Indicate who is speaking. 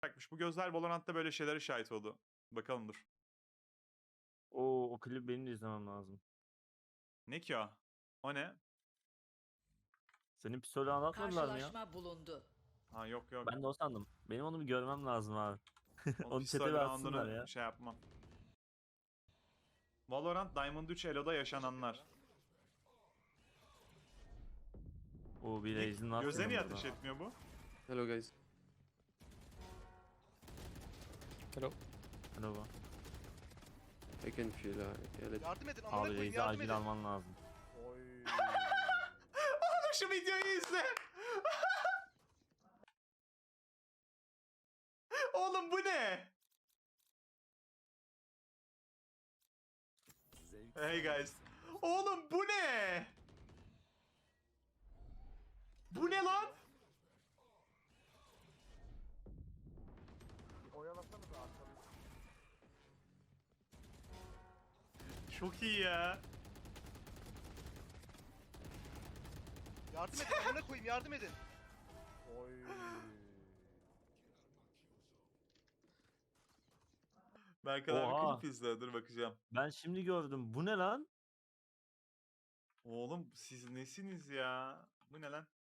Speaker 1: Bırakmış. Bu gözler Valorant'ta böyle şeylere şahit oldu. Bakalım dur.
Speaker 2: O klibi benim de izlemem lazım.
Speaker 1: Ne ki o? O ne?
Speaker 2: Senin pistolü anlatmadılar mı ya?
Speaker 3: Karşılaşma bulundu.
Speaker 1: Ha yok yok.
Speaker 2: Ben de o sandım. Benim onu bir görmem lazım abi.
Speaker 1: Onun
Speaker 2: Onu chat'e
Speaker 1: pistol
Speaker 2: bir atsınlar
Speaker 1: round'unu
Speaker 2: ya.
Speaker 1: şey yapmam. Valorant Diamond 3 Elo'da yaşananlar.
Speaker 2: O bir
Speaker 1: Ne?
Speaker 2: Raze'in var
Speaker 1: Göze
Speaker 2: senin
Speaker 1: niye
Speaker 2: burada.
Speaker 1: ateş etmiyor bu?
Speaker 4: Hello guys. Hello.
Speaker 2: Merhaba.
Speaker 4: I can feel yeah,
Speaker 5: Yardım edin amına
Speaker 2: Abi
Speaker 5: koyayım
Speaker 2: Raze'i
Speaker 5: yardım
Speaker 2: acil
Speaker 5: edin.
Speaker 2: alman lazım.
Speaker 1: Oğlum şu videoyu izle. Oğlum bu ne? Hey guys. Oğlum bu ne? Bu ne lan? Çok iyi ya.
Speaker 5: Yardım edin amına koyayım yardım edin.
Speaker 1: Berkan abi
Speaker 2: Oha.
Speaker 1: klip izle. Dur bakacağım.
Speaker 2: Ben şimdi gördüm. Bu ne lan?
Speaker 1: Oğlum siz nesiniz ya? Bu ne lan?